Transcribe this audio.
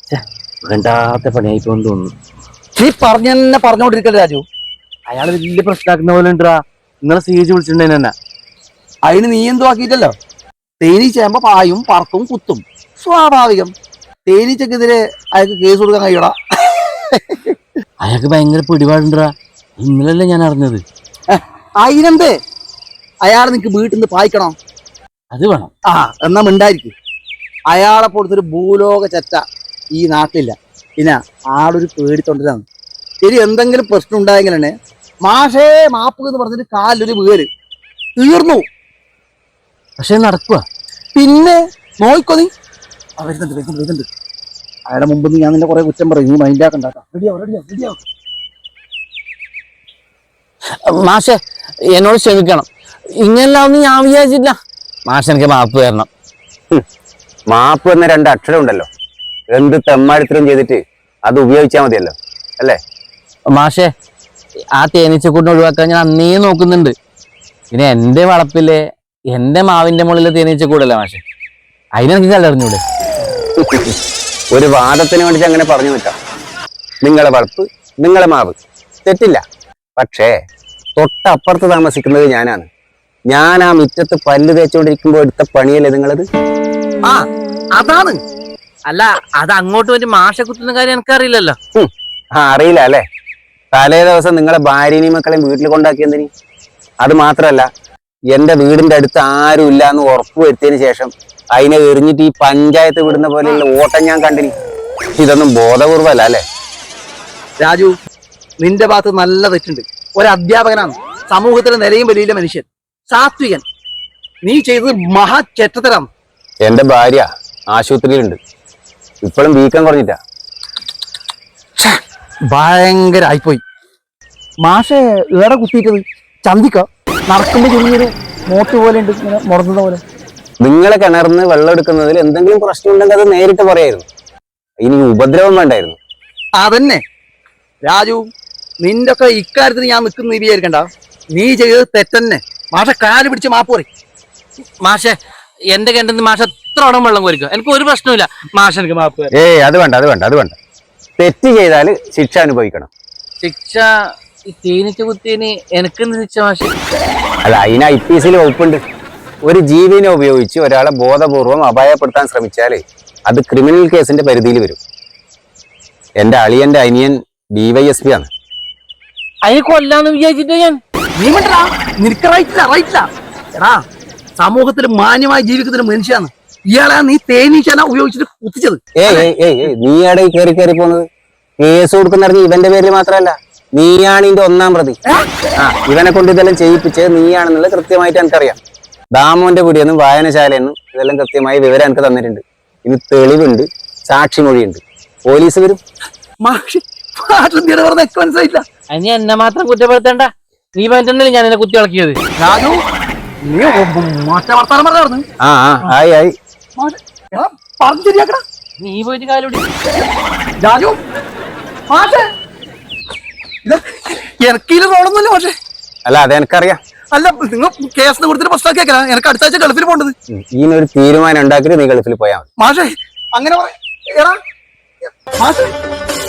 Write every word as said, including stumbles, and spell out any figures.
വേണ്ടാത്ത പണിയായിപ്പോന്ന് തോന്നുന്നു. നീ പറഞ്ഞ തന്നെ പറഞ്ഞോണ്ടിരിക്കല്ലേ രാജു. അയാള് വലിയ പ്രശ്നമാക്കുന്ന പോലെ ഉണ്ടാ. നിങ്ങളെ സീജ് വിളിച്ചിട്ടുണ്ടെന്നെ തന്നെ. അതിന് നീ എന്തോ ആക്കിയിട്ടല്ലോ. തേനീച്ചയാകുമ്പോ പായും പറക്കും കുത്തും, സ്വാഭാവികം. തേനീച്ചക്കെതിരെ അയാൾക്ക് കേസ് കൊടുക്കാൻ കഴിയടാ. അയാൾക്ക് ഭയങ്കര പിടിപാടുണ്ടാ. ഇന്നലല്ലേ ഞാൻ അറിഞ്ഞത്. അതിനെന്തേ അയാൾ നിനക്ക് വീട്ടിൽ നിന്ന് പായിക്കണോ? അത് വേണം. ആ എന്നാ മിണ്ടായിരിക്കും. അയാളെ പോലത്തൊരു ഭൂലോക ചെറ്റ ഈ നാട്ടിലില്ല. പിന്നെ ആളൊരു പേടിത്തൊണ്ടരാണ്. ശരി, എന്തെങ്കിലും പ്രശ്നം ഉണ്ടായെങ്കിൽ തന്നെ മാഷേ മാപ്പ് എന്ന് പറഞ്ഞിട്ട് കാലൊരു വീര് തീർന്നു. പക്ഷെ നടക്കുക. പിന്നെ നോയിക്കോ നീ. ആ വരുന്നുണ്ട് വരുന്നുണ്ട് വരുന്നുണ്ട് അയാളുടെ മുമ്പ് ഞാൻ നിന്റെ കുറെ കുറ്റം പറയും. നീ മൈൻഡ് ആക്കണ്ടാക്കാം. റെഡിയാവും റെഡിയാവും റെഡിയാവും. മാഷെ എന്നോട് ക്ഷമിക്കണം. ഇങ്ങനെല്ലാം ഒന്നും ഞാൻ വിചാരിച്ചില്ല. മാഷ് എനിക്ക് മാപ്പ് തരണം. മാപ്പ് എന്ന രണ്ട് അക്ഷരം ഉണ്ടല്ലോ, എന്ത് തെമ്മാടിത്തരം ചെയ്തിട്ട് അത് ഉപയോഗിച്ചാൽ മതിയല്ലോ അല്ലേ? മാഷെ ആ തേനീച്ചക്കൂട്ടിനെ ഒഴിവാക്കാൻ ഞാൻ അന്നേ നോക്കുന്നുണ്ട്. പിന്നെ എന്റെ വളപ്പിലെ എന്റെ മാവിന്റെ മുകളിലെ തേനീച്ചക്കൂടല്ലേ മാഷെ, അതിനെനിക്ക് കല്ലറിഞ്ഞൂടെ? ഒരു വാദത്തിന് വേണ്ടിട്ട് അങ്ങനെ പറഞ്ഞു നിൽക്കാം. നിങ്ങളെ വളപ്പ്, നിങ്ങളെ മാവ്, തെറ്റില്ല. പക്ഷേ തൊട്ടപ്പുറത്ത് താമസിക്കുന്നത് ഞാനാണ്. ഞാൻ ആ മുറ്റത്ത് പല്ല് തേച്ചുകൊണ്ടിരിക്കുമ്പോൾ എടുത്ത പണിയല്ലേ നിങ്ങളത്? ആ അതാണ്. അല്ല, അത് അങ്ങോട്ട് വേണ്ടി മാഷെ കുത്തുന്ന കാര്യം എനിക്കറിയില്ലല്ലോ. ആ അറിയില്ല അല്ലേ? തലേ ദിവസം നിങ്ങളെ ഭാര്യനെയും മക്കളെയും വീട്ടിൽ കൊണ്ടാക്കിയെന്തിനി? അത് മാത്രല്ല, എന്റെ വീടിന്റെ അടുത്ത് ആരും ഇല്ല എന്ന് ഉറപ്പ് വരുത്തിയതിനു ശേഷം അതിനെ എറിഞ്ഞിട്ട് ഈ പഞ്ചായത്ത് വിടുന്ന പോലെയുള്ള ഓട്ടം ഞാൻ കണ്ടിനി. ഇതൊന്നും ബോധപൂർവല്ല അല്ലേ? രാജു, നിന്റെ ഭാഗത്ത് നല്ല തെറ്റുണ്ട്. ഒരു അധ്യാപകനാണ്, സമൂഹത്തിലെ നിലയും വലിയ മനുഷ്യൻ, സാത്വികൻ. നീ ചെയ്തത് മഹാ ചെറ്റത്തരാണ്. എന്റെ ഭാര്യ ആശുപത്രിയിലുണ്ട്, ഇപ്പോഴും വീക്കം കുറഞ്ഞിട്ടാ. ഭയങ്കര ആയിപ്പോയി. മാഷെ ഏറെ കുത്തിയിട്ടത് ചന്തിക്ക നടക്കുമ്പോ ചെറിയൊരു മോട്ട് പോലെ ഉണ്ട്, ഇങ്ങനെ മുറന്നത് പോലെ. നിങ്ങളെ കിണർന്ന് വെള്ളം എടുക്കുന്നതിൽ എന്തെങ്കിലും പ്രശ്നം ഉണ്ടെങ്കിൽ അത് നേരിട്ട് പറയായിരുന്നു. ഇനി ഉപദ്രവം വേണ്ടായിരുന്നു. അതന്നെ രാജു, നിന്റെ ഒക്കെ ഇക്കാര്യത്തിന് ഞാൻ നിൽക്കുന്ന നീ വിചാരിക്കണ്ട. നീ ചെയ്തത് തെറ്റന്നെ. മാഷ കാല് പിടിച്ച് മാപ്പ് പറയും. മാഷെ എന്റെ കിണറ്റിൽ മാഷ എത്ര ഉടം വെള്ളം കോരിക്കും, എനിക്ക് ഒരു പ്രശ്നമില്ല. മാഷ എനിക്ക് മാപ്പ്. ഏയ് അത് വേണ്ട അത് വേണ്ട അത് വേണ്ട. തെറ്റ് ചെയ്താൽ ശിക്ഷ അനുഭവിക്കണം. ശിക്ഷ ഈ തേനീച്ച കുത്തിന് എനിക്കെന്ത് ശിക്ഷ മാഷെ? അല്ല, അതിന് ഐ പി എസിൽ വകുപ്പുണ്ട്. ഒരു ജീവിനെ ഉപയോഗിച്ച് ഒരാളെ ബോധപൂർവം അപായപ്പെടുത്താൻ ശ്രമിച്ചാൽ അത് ക്രിമിനൽ കേസിന്റെ പരിധിയിൽ വരും. എന്റെ അളിയന്റെ അനിയൻ ഡിവൈഎസ്പി ആണ്. അതിന് കൊല്ലാന്ന് വിചാരിച്ചിട്ട് ഞാൻ. നീ മണ്ടാ, നിനക്ക് റൈറ്റില്ല റൈറ്റില്ല. എടാ, സമൂഹത്തിൽ മാന്യമായി ജീവിക്കുന്ന മനുഷ്യാണ് ഇയാളെ നീ തേനീച്ചന ഉപയോഗിച്ചിട്ട് കുത്തിച്ചത്. ഏയ് ഏയ് ഏയ് നീയാടെ കയറി കയറി പോകുന്നത്. കേസ് കൊടുക്കുന്നറിഞ്ഞ് ഇവന്റെ പേരിൽ മാത്രമല്ല, നീയാണ് ഇതിന്റെ ഒന്നാം പ്രതി. ആ ഇവനെ കൊണ്ട് ഇതെല്ലാം ചെയ്യിപ്പിച്ചത് നീയാണെന്നുള്ളത് കൃത്യമായിട്ട് എനിക്കറിയാം. ദാമോന്റെ പിടിയെന്നും വായനശാലയെന്നും ഇതെല്ലാം കൃത്യമായി വിവരം എനിക്ക് തന്നിട്ടുണ്ട്. ഇനി തെളിവുണ്ട്, സാക്ഷിമൊഴിയുണ്ട്. പോലീസ് വരും. മനസ്സിലായില്ല. അതിന് എന്നെ മാത്രം കുറ്റപ്പെടുത്തണ്ട. നീ പറഞ്ഞിട്ടുണ്ടല്ലേ ഞാൻ എന്നെ കുത്തി ഇളക്കിയത്. രാജു, നീ മാറ്റ വർത്താനം പറഞ്ഞു. ആ ആ ആയി ആയി പറഞ്ഞു ശരിയാക്കടാ. നീ പോയിട്ട് കാലോടി. രാജു എനക്കില് റോളൊന്നുമില്ല പക്ഷേ. അല്ല അത് എനിക്കറിയാം. അല്ല, നിങ്ങൾ കേസിന് കൊടുത്തിട്ട് പ്രശ്നമാക്കിയാ എനിക്ക് അടുത്ത ആഴ്ച ഗൾഫിൽ പോകേണ്ടത്. ഈനൊരു തീരുമാനം ഉണ്ടാക്കിയിട്ട് നീ ഗൾഫിൽ പോയാൽ മതി. മാഷേ അങ്ങനെ പറയാ. മാഷേ